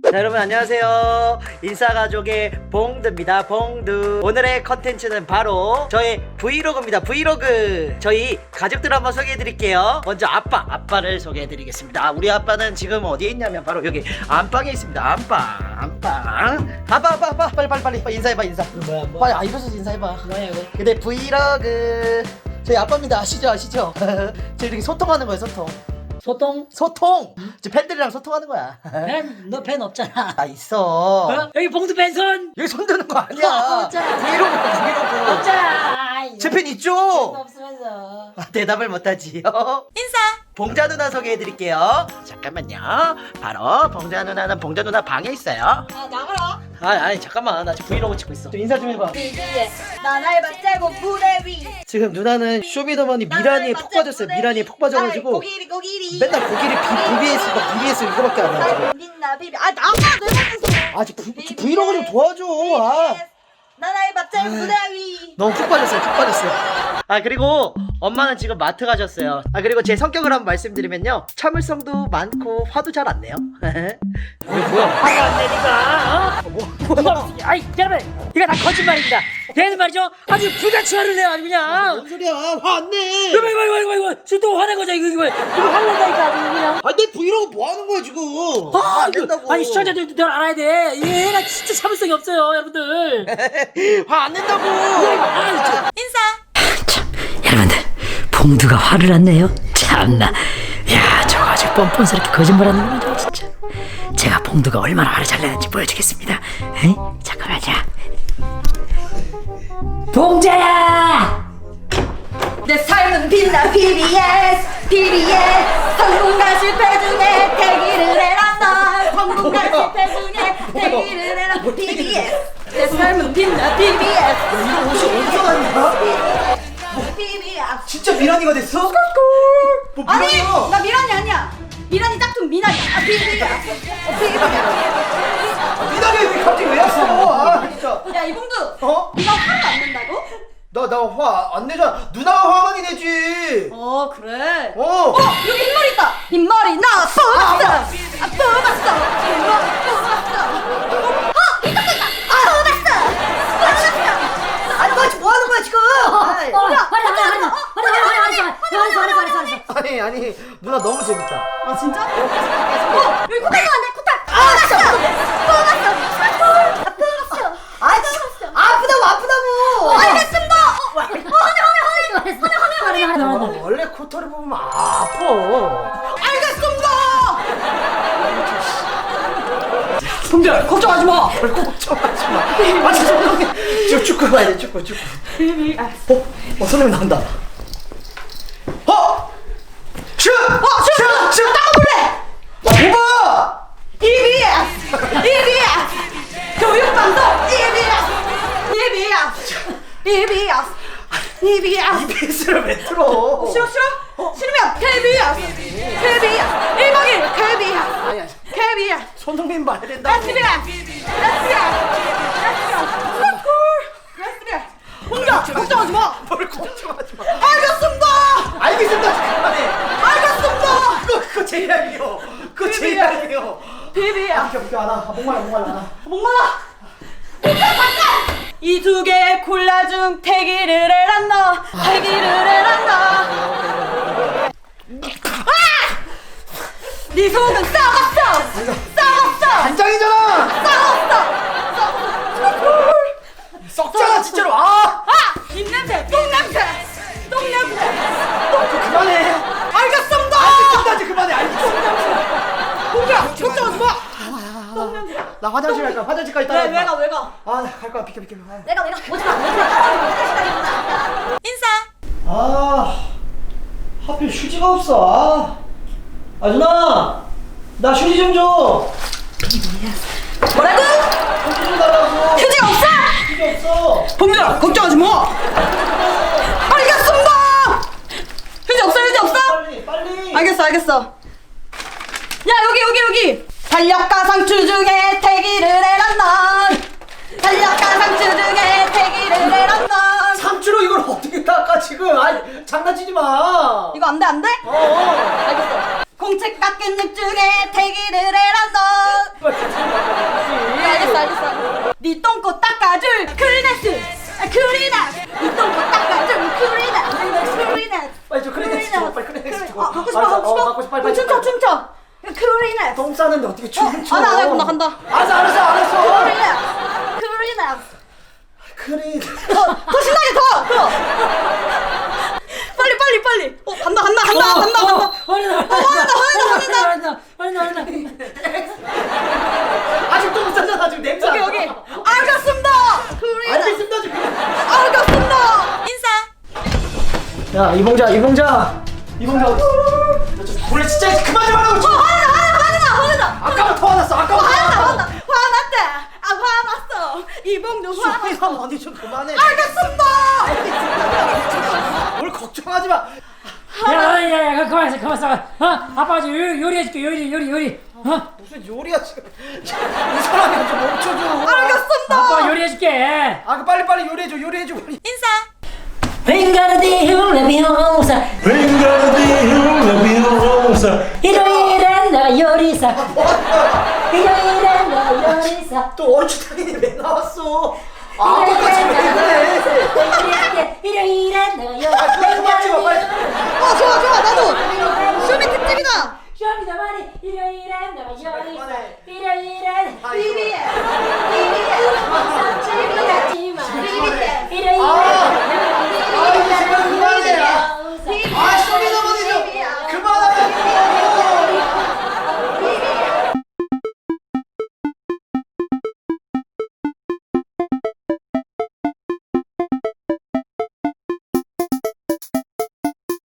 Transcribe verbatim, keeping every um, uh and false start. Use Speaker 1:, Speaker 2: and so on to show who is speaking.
Speaker 1: 자, 여러분 안녕하세요. 인싸가족의 봉두입니다. 봉두. 오늘의 컨텐츠는 바로 저의 브이로그입니다. 브이로그. 저희 가족들 한번 소개해드릴게요. 먼저 아빠 아빠를 소개해드리겠습니다. 우리 아빠는 지금 어디에 있냐면 바로 여기 안방에 있습니다. 안방 안방. 아빠 아빠 아빠 빨리 빨리 빨리, 빨리 인사해봐. 인사.
Speaker 2: 뭐야 뭐
Speaker 1: 빨리 아 일어서서 인사해봐.
Speaker 2: 뭐야 이거?
Speaker 1: 근데 브이로그 저희 아빠입니다. 아시죠 아시죠? 저희 이렇게 소통하는 거예요. 소통
Speaker 2: 소똥?
Speaker 1: 소통. 저 팬들이랑 소통하는 거야.
Speaker 2: 팬? 너 팬 없잖아.
Speaker 1: 아 있어.
Speaker 2: 어? 여기 봉두 팬손?
Speaker 1: 여기 손 드는 거 아니야.
Speaker 2: 어, 없잖아.
Speaker 1: 브이로그 브이로그.
Speaker 2: 없잖아.
Speaker 1: 제 팬 있죠?
Speaker 2: 없으면서.
Speaker 1: 아, 대답을 못하지요. 인사. 봉자 누나 소개해드릴게요. 잠깐만요. 바로 봉자 누나는 봉자 누나 방에 있어요.
Speaker 3: 아 나가라.
Speaker 1: 아 아니 잠깐만, 나 지금 브이로그 찍고 있어. 좀 인사 좀 해봐.
Speaker 3: 비비에 나날 맞자고 무대 위.
Speaker 1: 지금 누나는 쇼미더머니 미라니에 푹 빠졌어요. 미라니에 푹 빠져가지고
Speaker 3: 고기리 고기리.
Speaker 1: 맨날 고기를 비, 비비에스 막 비비에스 이거밖에 안 하고.
Speaker 3: 날 빛나 비비. 아 나가 내 방에서.
Speaker 1: 아 지금 브- 브이로그 좀 도와줘. 아.
Speaker 3: 나날 맞자고 무대 위.
Speaker 1: 너무 푹 빠졌어요. 푹 빠졌어요. 아 그리고 엄마는 지금 마트 가셨어요. 아 그리고 제 성격을 한번 말씀드리면요, 참을성도 많고 화도 잘 안 내요. 왜 뭐야?
Speaker 2: 화가 안 내니까. 어? 뭐? 아이 여러분, 이거 다 거짓말입니다. 얘는 말이죠, 아주 불같이 화를 내요 아주 그냥.
Speaker 1: 뭔 소리야? 화 안 내.
Speaker 2: 이거 이거 이거 이거 이거 지금 또 화낸 거죠 이거 이거 이거 화낸다니까 아주 그냥.
Speaker 1: 아 내 브이로그 뭐 하는 거야 지금?
Speaker 2: 아,
Speaker 1: 화 안
Speaker 2: 이거,
Speaker 1: 낸다고.
Speaker 2: 아니 시청자들도 널 알아야 돼. 얘가 진짜 참을성이 없어요 여러분들.
Speaker 1: 화 안 낸다고.
Speaker 2: 아, 저-
Speaker 4: 참, 여러분들 봉두가 화를 안 내요? 참나, 야 저거 아주 뻔뻔스럽게 거짓말하는 거죠 진짜. 제가 봉두가 얼마나 화를 잘 내는지 보여주겠습니다. 에이? 잠깐만요.
Speaker 2: 봉자야!
Speaker 3: 내 삶은 빛나 비비에스 비비에스. 성공과 실패 중에 대기를 해라 널. 성공과 실패 중에 대기를 해라 비비에스. 내 삶은 빛나 비비에스.
Speaker 1: 이거 옷이 어디서 났냐?
Speaker 3: 비비에스.
Speaker 1: 진짜 미란이가 됐어? 뭐
Speaker 3: 아니
Speaker 1: 미란이야?
Speaker 3: 나 미란이 아니야. 미란이 짝퉁 미란이. 아 비비야. 어, 비비야.
Speaker 1: 미란이 왜 갑자기 왜 왔어? 아 진짜.
Speaker 3: 야 이봉두.
Speaker 1: 어?
Speaker 3: 네가 화를 안 낸다고?
Speaker 1: 나 나 화 안 내잖아. 누나가 화 많이 내지.
Speaker 3: 어 그래.
Speaker 1: 어.
Speaker 3: 어 여기 흰머리 있다. 흰머리 나 뽑았어. 아 뽑았어. 흰머리 뽑았어. 어 이쪽도 있다. 아 뽑았어. 뽑았어. 아니 너 지금 뭐 하는 거야 지금? 아이.
Speaker 2: 어, 화내 화내 화내 화내 화내 화내 화내 화내 화내 화내.
Speaker 1: 아니 아니 누나 너무 재밌다.
Speaker 3: 아 진짜? 어 여기 코딱도 안 돼. 코딱. 아 뽑았어. 뽑았어. 아 뽑았어. 아 뽑았어. 아프다고 아프다고. 알겠습니다. 어 화내 화내 화내 화내 화내 화내.
Speaker 1: 어, 원래 코털을 보면 아파.
Speaker 3: 알겠습니다.
Speaker 2: 봉자 걱정하지 마.
Speaker 1: 별 걱정하지 마. 아 죄송해요. 지금 축구 봐야 돼. 축구 축구. 어? 어 손흥민 나온다. 어? 슛! 어
Speaker 3: 슛!
Speaker 1: 슛!
Speaker 3: 따가볼래?
Speaker 1: 아
Speaker 3: 이비에스! 이비에스! 교육방송 이비에스! 이비에스! 이비에스! 이비에스!
Speaker 1: 이비에스를 왜 틀어?
Speaker 3: 싫어 싫어? 싫으면 케이비에스! 케이비에스! 일 박 일 케이비에스!
Speaker 1: 아니 아니.
Speaker 3: 케이비에스!
Speaker 1: 손흥민 봐야 된다고.
Speaker 3: 에스비에스! 에스비에스! 에스비에스! 에스비에스! 혼자 걱정하지 마!
Speaker 1: 뭘 걱정하지 마.
Speaker 3: 알겠습니다!
Speaker 1: 알겠습니다. 그만해.
Speaker 3: 알겠습니다!
Speaker 1: 그거 그거 제일 알게요. 그거 제일 알게요.
Speaker 3: 비비에스!
Speaker 1: 아 비켜 비켜 안아. 목말라 목말라 안아.
Speaker 3: 목말라! 이 두 개의 콜라 중 태기를 해란다. 태기를 해란다. 아! 네 속은 썩었어. 썩었어.
Speaker 1: 간장이잖아.
Speaker 3: 썩었어.
Speaker 1: 썩잖아 진짜로. 아.
Speaker 3: 아! 입냄새, 똥냄새, 똥냄새.
Speaker 1: 좀 그만해.
Speaker 3: 알겠습니다.
Speaker 1: 알겠습니다. 이제 그만해. 알겠습니다.
Speaker 3: 봉주야, 걱정하지 마.
Speaker 1: 나 화장실 갈까? 화장실 가 있다.
Speaker 3: 왜, 왜 가, 왜 가?
Speaker 1: 아갈 거야. 비켜 비켜. 아.
Speaker 3: 내가, 내가. 오지 마, 오지 마. 인사.
Speaker 1: 아 하필 휴지가 없어. 아, 아 누나 나 휴지 좀 줘.
Speaker 3: 뭐라고?
Speaker 1: 휴지 좀 달라고.
Speaker 3: 휴지가 없어?
Speaker 1: 휴지 없어.
Speaker 3: 봉주야, 걱정하지 마. 알겠습니다. 휴지 없어, 휴지 없어?
Speaker 1: 빨리 빨리.
Speaker 3: 알겠어, 알겠어. 야, 여기, 여기, 여기. 달력가 상추 중에 태기를 해란다. 달력가 상추 중에 태기를 해란다.
Speaker 1: 삼주로 이걸 어떻게 닦아 지금? 아 장난치지 마.
Speaker 3: 이거 안 돼, 안 돼?
Speaker 1: 어. 어.
Speaker 3: 알겠어. 공책 깎은 잎 중에 태기를 해란다.
Speaker 1: 갖고 싶어, 빨리, 빨리,
Speaker 3: 춤춰
Speaker 1: 빨리.
Speaker 3: 춤춰. 크리넷.
Speaker 1: 똥 싸는데 어떻게 춤을 춰?
Speaker 3: 안 해, 안 해, 간다, 간다.
Speaker 1: 알았어, 알았어, 알았어.
Speaker 3: 크리넷. 크리넷.
Speaker 1: 크리.
Speaker 3: 더, 더 신나게 더, 더. 빨리 빨리 빨리. 어 간다 간다 간다 간다 간다.
Speaker 2: 화낸다
Speaker 3: 화낸다, 화낸다,
Speaker 2: 화낸다 화낸다 화낸다.
Speaker 1: 아직 똥 싸잖아, 지금 냄새.
Speaker 3: 여기 여기. 알겠습니다. 크리넷.
Speaker 1: 알겠습니다, 지금.
Speaker 3: 알겠습니다. 인사.
Speaker 1: 야, 이봉자, 이봉자. 이봉자. 원래 진짜 그만 좀 하라고.
Speaker 3: 어 화낸다 화낸다 화낸다 화낸다.
Speaker 1: 아까부터 화났어, 아까부터.
Speaker 3: 화났다 화났다 화났대. 아 화났어. 이봉도 화났어.
Speaker 1: 형, 언니 좀 그만해.
Speaker 3: 알겠습니다.
Speaker 1: 뭘 걱정하지 마.
Speaker 2: 야야야 그만했어 그만했어. 어 아빠 저 요리 요리해줄게 요리 요리 요리. 어
Speaker 1: 무슨 요리야 지금. 이 사람이 좀 멈춰줘.
Speaker 3: 알겠습니다.
Speaker 2: 아빠 요리해줄게.
Speaker 1: 아, 그 빨리 빨리 요리해줘, 요리해줘. 빨리.
Speaker 3: 인사.
Speaker 2: 뱅가르디움 레비오사
Speaker 5: Wingardium Leviosa.
Speaker 2: 일요일엔 나 요리사 일요일엔 나 요리사
Speaker 1: 또 얼추당이니 왜 나왔어? 아, 아빠까지 왜 그래?
Speaker 2: 일요일엔 나
Speaker 1: 아,
Speaker 2: 요리사
Speaker 1: 그만 그만 찍어, 빨리.
Speaker 3: 어 좋아 좋아 나도. 쇼미 특집이다.
Speaker 2: 쇼미더 마니 일요일엔 나 요리사
Speaker 1: 그만해.
Speaker 2: 일요일엔
Speaker 1: 아, 이거.
Speaker 3: 비비에.
Speaker 2: 비비하지마
Speaker 3: 비비에.
Speaker 2: 일요일엔